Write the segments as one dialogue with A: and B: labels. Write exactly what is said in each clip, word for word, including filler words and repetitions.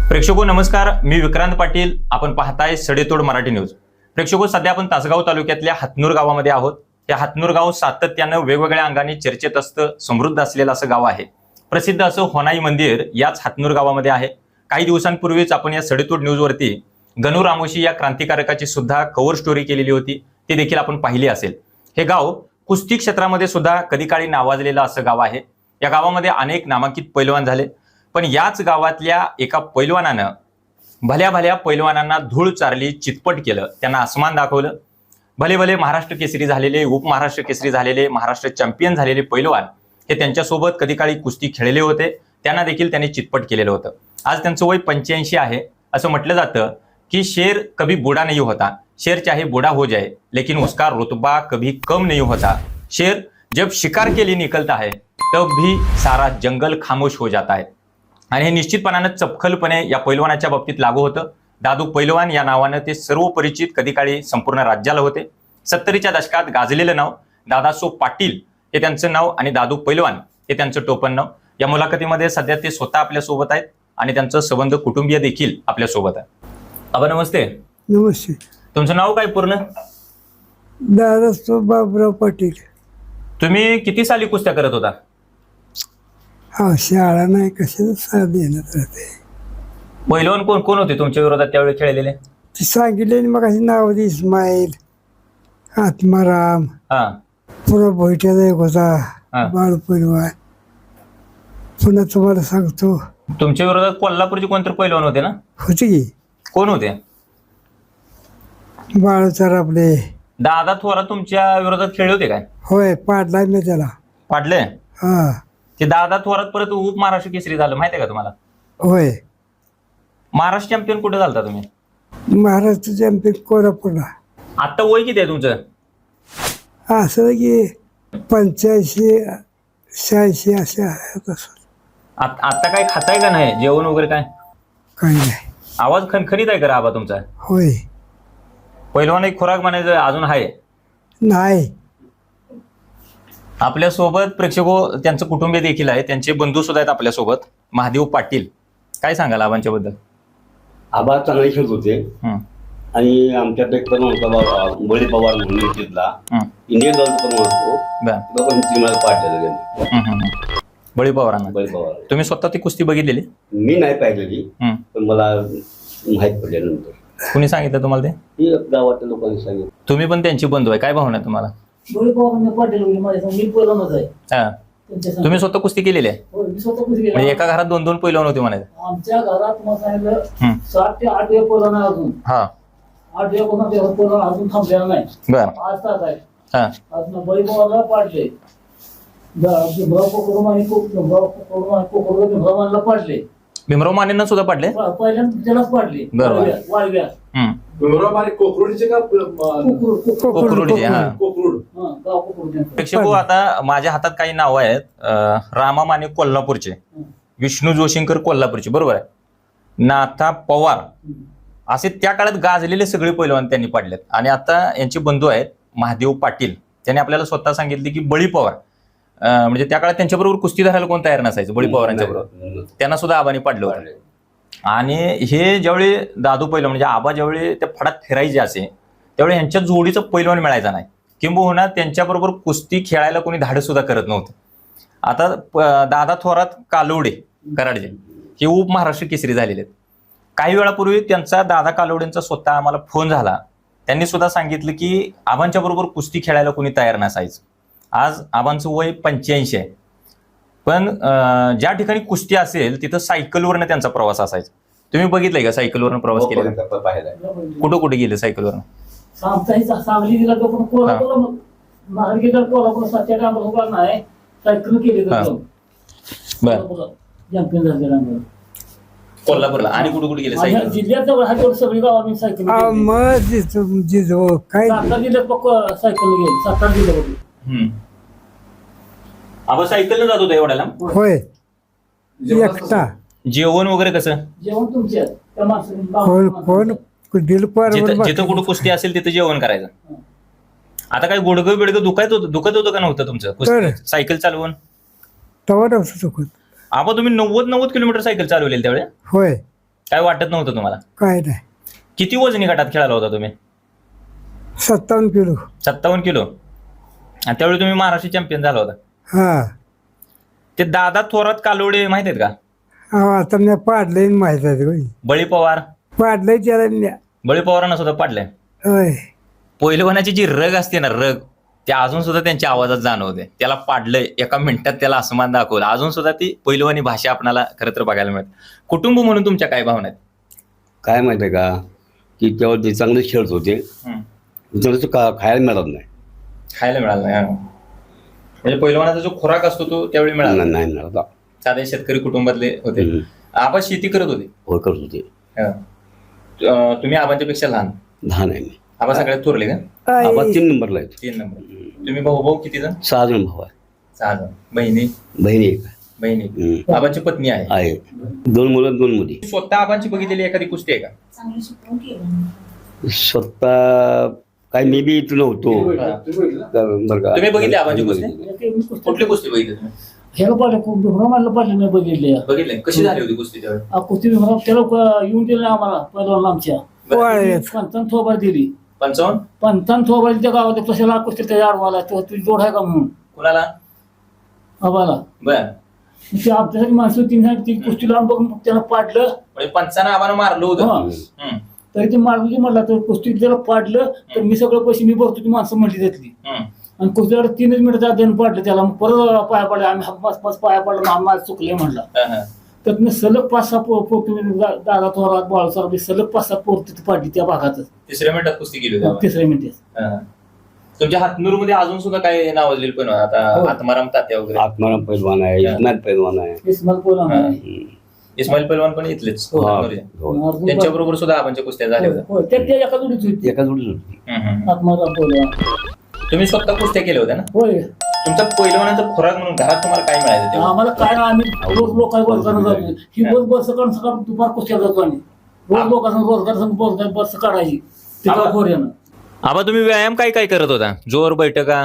A: प्रेक्षको नमस्कार, मी विक्रांत पाटील. आपण पाहताय सडेतोड मराठी न्यूज. प्रेक्षको, सध्या आपण तासगाव तालुक्यातल्या हातनूर गावामध्ये आहोत. हे हातनूर गाव सातत्यानं वेगवेगळ्या अंगाने चर्चेत असतं, समृद्ध असलेलं असं गाव आहे. प्रसिद्ध असं होनाई मंदिर याच हातनूर गावामध्ये आहे. काही दिवसांपूर्वीच आपण या सडेतोड न्यूजवरती गणू रामोशी या क्रांतिकारकाची सुद्धा कव्हर स्टोरी केलेली होती, ती देखील आपण पाहिली असेल. हे गाव कुस्ती क्षेत्रामध्ये सुद्धा कधी काळी नावाजलेलं असं गाव आहे. या गावामध्ये अनेक नामांकित पैलवान झाले, पण याच गावातल्या एका पैलवानानं भल्या भल्या पैलवानांना धूळ चारली, चितपट केलं, त्यांना आसमान दाखवलं. भले भले महाराष्ट्र केसरी झालेले, उपमहाराष्ट्र केसरी झालेले, महाराष्ट्र चॅम्पियन झालेले पैलवान हे त्यांच्यासोबत कधी काळी कुस्ती खेळले होते, त्यांना देखील त्यांनी चितपट केलेलं होतं. आज त्यांचं वय पंच्याऐंशी आहे. असं म्हटलं जातं की शेर कभी बूढ़ा नहीं होता, शेर चाहे बूढ़ा हो जाए लेकिन उसका रुतबा कभी कम नहीं होता. शेर जब शिकार के लिए निकलता है तब भी सारा जंगल खामोश हो जाता है. आणि हे निश्चितपणानं चपखलपणे या पैलवानाच्या बाबतीत लागू होतं. दादू पैलवान या नावानं ते सर्व परिचित कधी काळी संपूर्ण राज्याला होते. सत्तरीच्या दशकात गाजलेलं नाव दादासो पाटील हे त्यांचं नाव आणि दादू पैलवान हे त्यांचं टोपण नाव. या मुलाखतीमध्ये सध्या ते स्वतः आपल्या सोबत आहेत आणि त्यांचं संबंध कुटुंबीय देखील आपल्या सोबत आहे. आबा नमस्ते.
B: नमस्ते.
A: तुमचं नाव काय पूर्ण?
B: दादासो बाबुराव पाटील.
A: तुम्ही किती साली कुस्त्या करत होता?
B: हा, शाळा नाही, कशाचं साथ देण्यात राहते.
A: पैलवान कोण कोण होते तुमच्या विरोधात त्यावेळी खेळलेले?
B: ती सांगितले मग अशी नाव होती, इस्माईल, आत्माराम,
A: हा
B: पुन्हा भोईट्याचा एक होता
A: हा.
B: बाळू पैलवान. पुन्हा तुम्हाला सांगतो,
A: तुमच्या विरोधात कोल्हापूरचे कोणतरी पैलवान होते ना?
B: होती की
A: कोण होते?
B: बाळूचार आपले.
A: दादा थोरात तुमच्या विरोधात खेळले होते काय?
B: होय, पाडलाय मी त्याला.
A: पाडले?
B: हा
A: ते दादा थोरात परत उप महाराष्ट्र केसरी झालं, माहिती आहे का तुम्हाला?
B: होय.
A: महाराष्ट्र चॅम्पियन कुठे झालता तुम्ही?
B: महाराष्ट्र चॅम्पियन कोल्हापूरला.
A: आता वय किती आहे तुमचं?
B: असं की पंच्याऐंशी शहाऐंशी असे आहे. तसं
A: आत- आता काय खाताय का नाही, जेवण वगैरे काय?
B: काही नाही.
A: आवाज खणखणीत आहे का आबा तुमचा?
B: होय.
A: पैलवान एक खुराक म्हणायचं अजून आहे
B: नाही.
A: आपल्या सोबत. प्रेक्षको, त्यांचं कुटुंबीय देखील आहे, त्यांचे बंधू सुद्धा आहेत आपल्या सोबत. महादेव पाटील, काय सांगाल आबांच्या बद्दल?
C: आबा चांगले खेळत होते
A: हम्म,
C: आणि आमच्यात एक पण होता बाबा बळी पवार म्हणून तिथला
A: हम्म,
C: इंडियन दलचा पण असतो,
A: बर.
C: तो पण टीमला पाठवलं त्यांनी.
A: हम्म, हम्म, हम्म. बळी पवारांना
C: बळी पवार
A: तुम्ही स्वतः ती कुस्ती बघितलेली?
C: मी नाही पाहिलेली,
A: हम्म.
C: पण मला माहीत पडल्यानंतर
A: कुणी सांगितलं तुम्हाला ते?
C: ती गावातल्या लोकांनी सांगितलं.
A: तुम्ही पण त्यांची बंधू आहे, काय भावना आहे तुम्हाला?
D: बळी पवारांना पाटील म्हणजे माझ्या मी पहिल्यांदाच आहे
A: हा,
D: त्यांच्या संग.
A: तुम्ही स्वतः कुस्ती केलेली आहे?
D: होय, मी स्वतः कुस्ती केली.
A: म्हणजे एका घरात दोन दोन पैलवान होते म्हणायचं?
D: आमच्या घरात तुम्हाला सांगितलं
A: हम्म.
D: सात ते आठ वेळ पहिला नाही अजून.
A: हा,
D: आठ वेळ कोणा पहिला अजून थांबलेला नाही.
A: बर.
D: पाच तास आहे.
A: हा,
D: अजून बळी पवारला पाडले. भाऊ कोकरून आणि भाऊ कोकरून आणि कोकरून भ्रमांना पाडले.
A: भीमराव मानेंना सुद्धा पाडले?
D: पहिल्यांदा त्यालाच पाडले.
A: बरोबर.
D: वाळव्या
A: हम्म.
E: कोकरुडीचे का
A: कोकरुडचे, हा.
E: कोकरुड
D: हा, गाव कोकरून त्यांचं.
A: प्रेक्षको, आता माझ्या हातात काही नावं आहेत. अं, रामा माने कोल्हापूरचे, विष्णू जोशींकर कोल्हापूरचे, बरोबर आहे, नाथा पवार, असे त्या काळात गाजलेले सगळे पैलवान त्यांनी पाडलेत. आणि आता यांचे बंधू आहेत महादेव पाटील. त्यांनी आपल्याला स्वतः सांगितले की बळी पवार, अं, म्हणजे त्या काळात त्यांच्याबरोबर कुस्ती धरायला कोण तयार नसायचं, बळी पवारांच्या बरोबर त्यांना सुद्धा आबांनी पाडलं होतं. आणि हे ज्यावेळी दादू पैलवान म्हणजे आबा ज्यावेळी त्या फडात फिरायचे असे, त्यावेळी यांच्या जोडीचं पैलवान मिळायचा नाही, किंबहुना त्यांच्याबरोबर कुस्ती खेळायला कोणी धाडस सुद्धा करत नव्हतं. आता प- दादा थोरात कालवडे कराडचे हे उप महाराष्ट्र केसरी झालेले आहेत. काही वेळापूर्वी त्यांचा दादा कालवडेंचा स्वतः आम्हाला फोन झाला. त्यांनी सुद्धा सांगितलं की आबांच्या बरोबर कुस्ती खेळायला कोणी तयार नसायचं. आज आबांचं वय पंच्याऐंशी आहे, पण अं, ज्या ठिकाणी कुस्ती असेल तिथं सायकलवरनं त्यांचा प्रवास असायचा. तुम्ही बघितलंय का सायकलवरनं प्रवास केलेला?
C: पाहिला
A: कुठं कुठे गेले सायकलवरनं?
D: आमचाही सांगली जिल्हा तो पण कोल्हापूर महाराष्ट्र गेला. कोल्हापूर सातशे ग्राम नाही सायकल केली
A: हा. बर.
D: चॅम्पियन झालेला आम्ही.
A: कोल्हापूरला आणि कुठे कुठे गेले
D: माझ्या
A: सायकल?
D: जिल्ह्यात जवळ हा तेवढं सगळी गाव आम्ही सायकल
B: आ, मग जिथं- जिथं काय
D: सातारा जिल्ह्यात बघ सायकल गेली. सातारा जिल्ह्यामध्ये
A: हम्म. आबा सायकलनं जात होता एवढ्याला?
B: होय. एकटा
A: जेवण वगैरे कसं?
D: जेवण तुमच्या त्या
B: कोण कोण
D: माणसाने
B: दिल पार
A: जिथं जिथं कुठं कुस्ती असेल तिथं जेवण करायचं. आता काय गुडगं बिडगं दुखायत होतं दुखत होतं का नव्हतं तुमचं
B: तर.
A: कुस्ती- सायकल चालवून?
B: तवा नव्हतं चुकत.
A: आबा तुम्ही नव्वद नव्वद किलोमीटर सायकल चालवलेली त्यावेळी?
B: होय.
A: काय वाटत नव्हतं तुम्हाला?
B: काय नाही.
A: किती वजनी गटात खेळाला होता तुम्ही?
B: सत्तावन्न किलो.
A: सत्तावन्न किलो. आणि त्यावेळी तुम्ही महाराष्ट्र चॅम्पियन झाला होता.
B: हा
A: ते दादा थोरात कालोडे माहित आहेत का?
B: हा आता मी पाडलंय माहित आहे होय.
A: बळी पवार.
B: पाडलंय त्याला म्या.
A: बळी पवारांना सुद्धा पाडलंय.
B: होय.
A: पहिलवानाची जी रग असते ना, रग, ते अजून सुद्धा त्यांच्या आवाजात जाणवते. त्याला पाडलंय, एका मिनिटात त्याला असमान दाखवलं. अजून सुद्धा ती पहिलवानी भाषा आपल्याला खरं तर बघायला मिळते. कुटुंब म्हणून तुमच्या काय भावना आहेत?
C: काय माहिती आहे का की तेव्हा ते चांगले खेळत होते,
A: हम्म.
C: चांगलं का खायला मिळत नाही.
A: खायला मिळालं नाही हा. म्हणजे पहिलवानाचा जो खुराक असतो तो त्यावेळी मिळाला
C: नाही नाही मिळत.
A: साधे शेतकरी कुटुंबातले होते.
C: हम्म.
A: आपण शेती करत होते.
C: होय करत होते.
A: हा. अं, तुम्ही आबांच्या पेक्षा लहान.
C: लहान आहे मी.
A: आबा सगळ्यात थोरले का?
B: काय
C: आबा तीन नंबरला आहेत.
A: तीन नंबर. तुम्ही भाऊ भाऊ किती जण?
C: सहा जण भाऊ आहे.
A: सहा जण. बहिणी?
C: बहिणी एक आहे.
A: बहिणी.
C: हम्म.
A: आबांची पत्नी आहे.
C: आहे. दोन मुलं दोन मुली.
A: स्वतः आबांची बघितलेली एखादी कुस्ती आहे का?
C: स्वतः काय मी बी इथं नव्हतो बरं का.
A: तुम्ही बघितली आबांची कुस्ती?
D: कुस्ती
A: कुठली कुस्ती बघितली तुम्ही?
D: ह्याला पाहिलं खूप भ्रमाला पाहिलं मी बघितले.
A: बघितले. कशी झाली होती कुस्ती त्यावेळी?
D: आ, कुस्ती भ्रम त्याला क- येऊन दिलं नाही आम्हाला पहिला आमच्या
B: वाळ्यात.
D: पंचावन्न थोबार दिली.
A: पंचावन्न?
D: पंचावन्न थोबार त्या गावात कशाला कुस्ती त्याच्या आडवाला तो तुझी जोड आहे का म्हणून
A: कुणाला?
D: आम्हाला
A: बर.
D: ते आमच्यासाठी माणसं तीन ती कुस्ती लावून बघून त्याला पाडलं.
A: म्हणजे पंचानं आबानं मारलं होतं.
D: हा.
A: हम्म.
D: तरी ते मारली म्हटलं तर कुस्ती त्याला पाडलं तर मी सगळं पैसे मी भरतो ती माणसं म्हटली त्यातली.
A: हम्म.
D: आणि कुस्तीला तीनच मिनिटं देणं पाडलं त्याला. मग परत पाया पडले आम्ही पाच पाच पाया पडलं आम्हाला चुकले म्हणला.
A: हा, हा.
D: तर मी सलग पाच सहा पो- पो- दा- दादा थोरात बाळसर सलग पाच सहा पोर तिथे पाडली त्या भागातच
A: तिसऱ्या मिनिटात कुस्ती केली होती आबानं.
D: तिसऱ्या मिनिटात.
A: हा. तुमच्या हातनूर मध्ये अजून सुद्धा काय नावाजलेली पण आता
D: हो.
A: आत्माराम तात्या वगैरे.
C: आत्माराम पैलवान आहे. इस्माईल पैलवान आहे.
D: इस्माईल पोला
A: हा.
C: हम्म.
A: इस्माईल पैलवान पण इथलेच.
D: हो.
A: हातनूरचे.
C: हो.
A: त्यांच्या बरोबर सुद्धा आबांच्या कुस्त्या झाल्या होत्या.
D: हो, त्या त्या एका जोडीच होती
C: एका जोडीच होती.
A: हम्म, हम्म.
D: आत्माराम पोला.
A: तुम्ही स्वतः कुस्त्या केल्या होत्या ना?
D: होय
A: तुमचा पहिलवानाचा खुराक म्हणून घरात तुम्हाला काय मिळायचं तेव्हा?
D: आम्हाला काय ना आम्ही रोज लोकांना रोजगार जातो. ही रोज बस सकाळ सकाळ दुपार कुस्त्या जातो आम्ही रोज लोकांना रोजगार संघ बस बस काढायची तिकडे पोऱ्यानं.
A: आबा तुम्ही व्यायाम काय काय करत होता? जोर बैठका?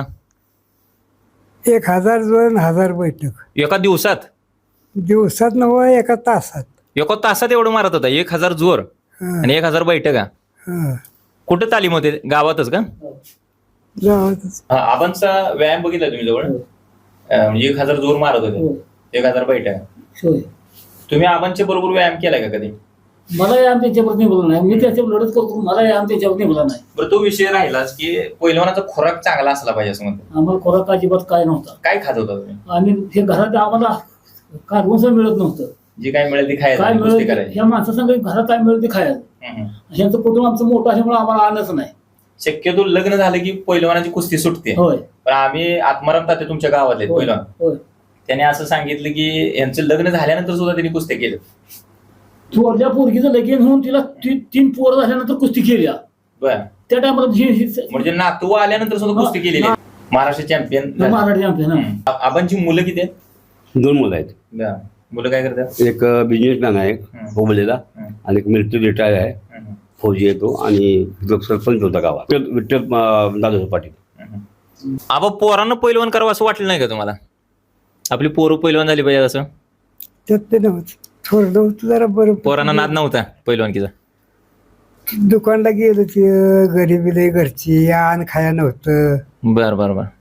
B: एक हजार दोन हजार बैठक
A: एका दिवसात?
B: दिवसात नव्ह एका तासात.
A: एका तासात एवढं मारत होता? एक हजार जोर
B: हा,
A: आणि एक हजार बैठका?
B: हा.
A: कुठं तालीम होते? गावातच का?
B: गावातच.
A: हा, आबांचा व्यायाम बघितला तुम्ही जवळ?
D: हो.
A: अं, म्हणजे एक हजार जोर मारत होते,
D: हो.
A: एक हजार बैठका.
D: होय.
A: तुम्ही आबांच्या बरोबर व्यायाम केलाय का कधी?
D: मला या त्याच्यावर निघाला नाही. मी त्याच्यावर लढत करतो. मला या त्याच्यावर निघाला नाही.
A: बरं, तो विषय राहिलाच की पहिलवानाचा खुराक चांगला असला पाहिजे असं म्हणतो.
D: आम्हाला खोराक अजिबात काय नव्हता.
A: काय खात होता तुम्ही?
D: आणि हे घरात आम्हाला काढून मिळत नव्हतं.
A: जे काय मिळेल ते खायचं
D: काय
A: आणि कुस्ती
D: मिळेल
A: करायची.
D: ह्या माणसासंग घरात काय मिळेल ते खायचं.
A: हम्म, हम्म.
D: ह्यांचं कुटुंब आमचं मोठं असल्यामुळे आम्हाला आलंच नाही.
A: शक्यतो लग्न झालं की पहिलवानाची कुस्ती सुटते.
D: होय
A: पण आम्ही आत्माराम तात्या तुमच्या गावातले
D: होय
A: पहिलवान,
D: होय.
A: त्याने असं सांगितलं की यांचं लग्न झाल्यानंतर सुद्धा त्यांनी कुस्त्या केलं.
D: थोरल्या पोरगीचं लगीन होऊन तिला ती- तीन पोरं झाल्यानंतर कुस्ती केली.
A: बर.
D: त्या टायमाला जी ही-
A: म्हणजे नातू आल्यानंतर सुद्धा कुस्ती केलेली आहे. महाराष्ट्र चॅम्पियन.
D: महाराष्ट्र चॅम्पियन हा.
A: आबांची मुलं किती आहेत?
C: दोन मुलं आहेत.
A: बर. मुलं काय करतात?
C: एक बिझनेसमॅन आहे
A: हम्म.
C: हुबळीला
A: हम्म.
C: आणि एक मिलिटरी रिटायर आहे.
A: हम्म,
C: फौजी येतो आणि जो सरपंच होता गावात विठ्ठल- विठ्ठल अं, दादासाहेब पाटील.
A: हम्म. आबा पोरांना पहिलवान करावं असं वाटलं नाही का तुम्हाला? आपली पोरं पहिलवान झाली पाहिजे असं?
B: त्यात ते नव्हतं. थोडं होतं जरा बरं.
A: पोरांना नाद नव्हता पहिलवानकीचा?
B: दुकानला गेलं ते गरिबीले घरची आण खाया नव्हतं.
A: बर बर बर.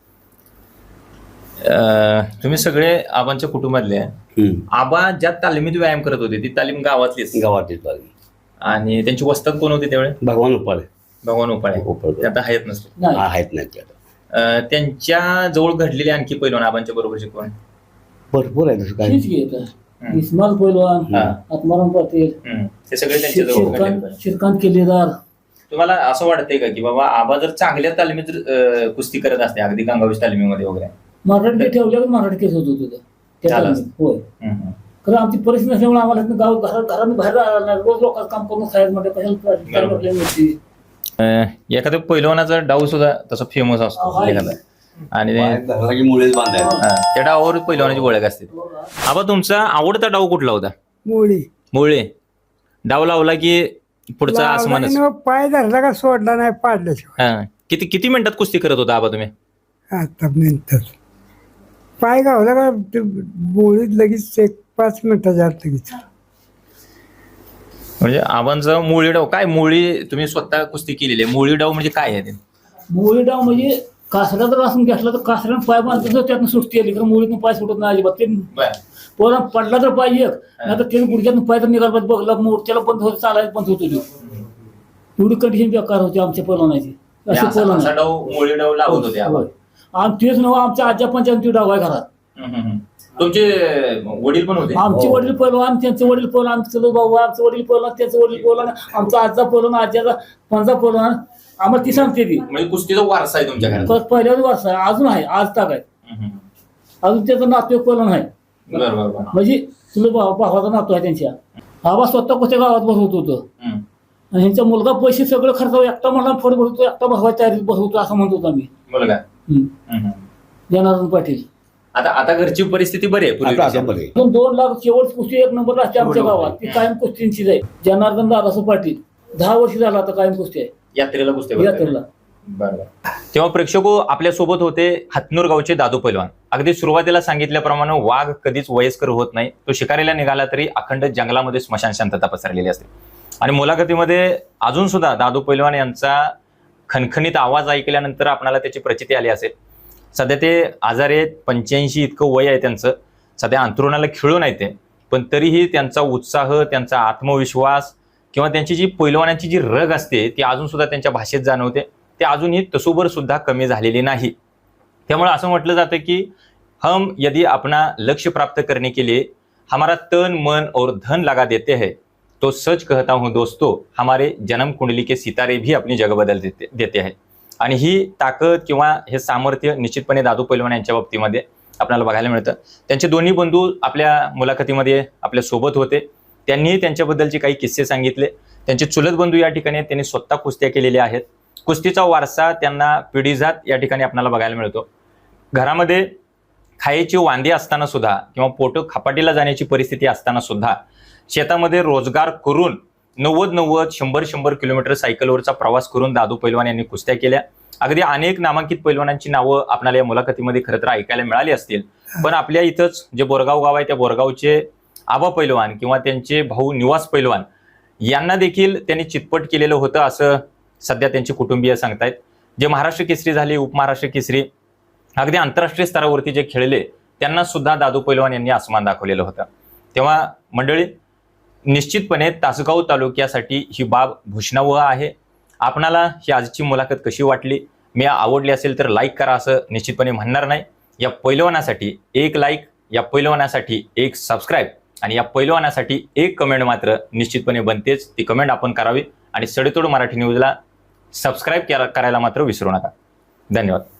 A: अं, तुम्ही सगळे आबांच्या कुटुंबातले आहे.
C: हम्म.
A: आबा ज्या तालमीत व्यायाम करत होते ती तालीम गावातलीच,
C: गावात येतो आम्ही.
A: आणि त्यांची वस्तात कोण होते त्यावेळी?
C: भगवान उपाळे
A: भगवान उपाळे.
C: उपाळे.
A: ते आता आहेत नसते.
D: नाही.
C: हा, आहेत नाही ते आता.
A: अं, त्यांच्या जवळ घडलेले आणखी पैलवान आबांच्या बरोबरचे कोण?
C: भरपूर आहे तसं काय.
D: हीच घे आता.
A: हम्म.
D: इस्माईल पैलवान,
A: हा.
D: आत्माराम पाटील,
A: हम्म. ते सगळे त्यांच्या जवळ घडलेले
D: श्रीकांत
A: पैलवान.
D: श्रीकांत केलेदार.
A: तुम्हाला असं वाटतंय का की बाबा आबा जर चांगल्या तालमीत जर, अं, कुस्ती करत असते अगदी गंगावीस तालमीमध्ये वगैरे?
D: मराठी ठेवल्यावर मराठी केस होत होतं त्या
A: झालं.
D: टायमाला. होय.
A: हम्म, हम्म.
D: खरं आमची परिस्थिती नसल्यामुळे आम्हाला इथनं गाव घरात घरात बाहेर राहायला नाही. रोज लोकांचं काम करून खायचं म्हणजे कशाला
A: बरोबर.
D: आपल्या मिळते.
A: अं, एखाद्या पैलवानाचा डाव सुद्धा तसा फेमस असतो
D: आहे.
A: एखादा, आणि ते-
C: बाहेर घराला की मुळेच बांधायला.
A: हा, त्या डावावर पैलवानाची ओळख असते. आबा तुमचा आवडता डाव कुठला होता?
B: मुळी
A: मुळे. डाव लावला की पुढचा
B: लावला
A: आसमानच.
B: की न पाय धरला का सोडला नाही पाडल्याशिवाय.
A: हा. किती किती मिनिटात कुस्ती करत होता आबा तुम्ही?
B: आता मिनिटात पाय गावला का ते मुळीत लगेच एक पाच मिनिटाच्या आत लगेच.
A: म्हणजे आबांचं मुळी डाव काय, मुळी तुम्ही स्वतः कुस्ती केलेली आहे, मुळी डाव म्हणजे काय आहे ते?
D: मुळी डाव म्हणजे कासरा जर असून घेतला तर कासऱ्यानं पाय बांधतो तर त्यातनं सुटते आली, कारण मुळीतून पाय सुटत नाही अजिबात. ते पोरा पडला तर पाय एक, नाही तर त्याने गुडघ्यातून पाय तर निघाला पाहिजे, बघला मोर्चाला बंद होत, चालायला बंद होतो तो. एवढी कंडिशन बेकार होती आमच्या पलवानाची. असे पलवान
A: असा डाव मुळी डाव लावत होते आबा.
D: आम तेच नव्ह, आमच्या आज्या पंचायती डाव आहे घरात.
A: हम्म, हम्म, हम्म. तुमचे वडील पण होते?
D: आमचे वडील पलवान, त्यांचे वडील पलवान, आमचं भाऊ, आमचं वडील पलवान, त्याचं वडील पलवान, आमचा आजचा पलवान, आज्याचा पंजा पलवान. आम्हाला ती सांगते ती
A: म्हणजे कुस्तीचा वारसा आहे तुमच्या घरात?
D: परत पहिल्याच वर्ष आहे, अजून आहे, आज ताक आहे.
A: हम्म, हम्म.
D: अजून त्याचा नातू एक पलवान आहे,
A: बरं बरं बरं.
D: म्हणजे तुला भाव- भावाचा नातू आहे त्यांच्या. आबा स्वतः कोणत्या गावात बसवत होतं,
A: हम्म.
D: आणि ह्यांचा मुलगा पैसे सगळं खर्च एकटा मला फड भरतो, एकटा भरवायच्या तयारीत बसवतो असं म्हणत होतो आम्ही.
A: मुलगा.
D: हम्म.
A: हम्म, हम्म.
D: जनार्दन पाटील.
A: आता आता घरची परिस्थिती बरी आहे
C: आता आता
A: पूर्वीपेक्षा?
C: बरे
D: दोन दोन लाख शेवट कुस्ती एक नंबर असते आमच्या गावात, ती कायम कुस्तींचीच आहे. जनार्दन दादासो पाटील दहा वर्ष झाला आता कायम कुस्ती आहे
A: यात्रेला कुस्ती करताय?
D: यात्रेला.
A: बरं बरं. तेव्हा प्रेक्षको आपल्या सोबत होते हातनूर गावचे दादू पैलवान. अगदी सुरुवातीला सांगितल्याप्रमाणे वाघ कधीच वयस्कर होत नाही, तो शिकारीला निघाला तरी अखंड जंगलामध्ये स्मशान शांतता पसरलेली असते. आणि मुलाखतीमध्ये अजून सुद्धा दादू पैलवान यांचा खणखणीत आवाज ऐकल्यानंतर आपल्याला त्याची प्रचिती आली असेल. सध्या ते आजारी आहेत, पंच्याऐंशी इतकं वय आहे त्यांचं, सध्या अंथरुणाला खिळून आहे ते, पण तरीही त्यांचा उत्साह, त्यांचा आत्मविश्वास किंवा त्यांची जी पैलवानाची जी रग असते ती अजून सुद्धा त्यांच्या भाषेत जाणवते. ते अजूनही तसूबर सुद्धा कमी झालेली नाही. त्यामुळे असं म्हटलं जातं की हम यदि अपना लक्ष्य प्राप्त करने के लिए हमारा तन मन और धन लगा देते हैं तो सच कहता हूँ दोस्तों, हमारे जन्म कुंडली के सितारे भी अपनी जगह बदल देते देते हैं. आणि ही ताकद किंवा हे सामर्थ्य निश्चितपणे दादू पैलवान यांच्या बाबतीमध्ये आपल्याला बघायला मिळतं. त्यांचे दोन्ही बंधू आपल्या मुलाखतीमध्ये आपल्या सोबत होते, त्यांनीही त्यांच्याबद्दलचे काही किस्से सांगितले. त्यांचे चुलत बंधू या ठिकाणी त्यांनी स्वतः कुस्त्या केलेल्या आहेत. कुस्तीचा वारसा त्यांना पिढीजात या ठिकाणी आपल्याला बघायला मिळतो. घरामध्ये खायची वांदे असताना सुद्धा किंवा पोट खपाटीला जाण्याची परिस्थिती असताना सुद्धा शेतामध्ये रोजगार करून नव्वद नव्वद शंभर शंभर किलोमीटर सायकलवरचा प्रवास करून दादू पैलवान यांनी कुस्त्या केल्या. अगदी अनेक नामांकित पैलवानांची नावं आपल्याला या मुलाखतीमध्ये खरं तर ऐकायला मिळाली असतील, पण आपल्या इथंच जे बोरगाव गाव आहे त्या बोरगावचे आबा पैलवान किंवा त्यांचे भाऊ निवास पैलवान यांना देखील त्यांनी चितपट केलेलं होतं असं सध्या त्यांचे कुटुंबीय सांगतायत. जे महाराष्ट्र केसरी झाले, उपमहाराष्ट्र केसरी, अगदी आंतरराष्ट्रीय स्तरावरती जे खेळले त्यांना सुद्धा दादू पैलवान यांनी आसमान दाखवलेलं होतं. तेव्हा मंडळी, निश्चितपणे तासगाव तालुक्यासाठी ही बाब भूषणावह आहे. आपणाला ही आजची मुलाखत कशी वाटली? मी आवडली असेल तर लाईक करा असं निश्चितपणे म्हणणार नाही. या पैलवानासाठी एक लाईक, या पैलवानासाठी एक सबस्क्राईब आणि या पैलवानासाठी एक कमेंट मात्र निश्चितपणे बनतेच. ती कमेंट आपण करावी आणि सडेतोड मराठी न्यूजला सबस्क्राईब करायला मात्र विसरू नका. धन्यवाद.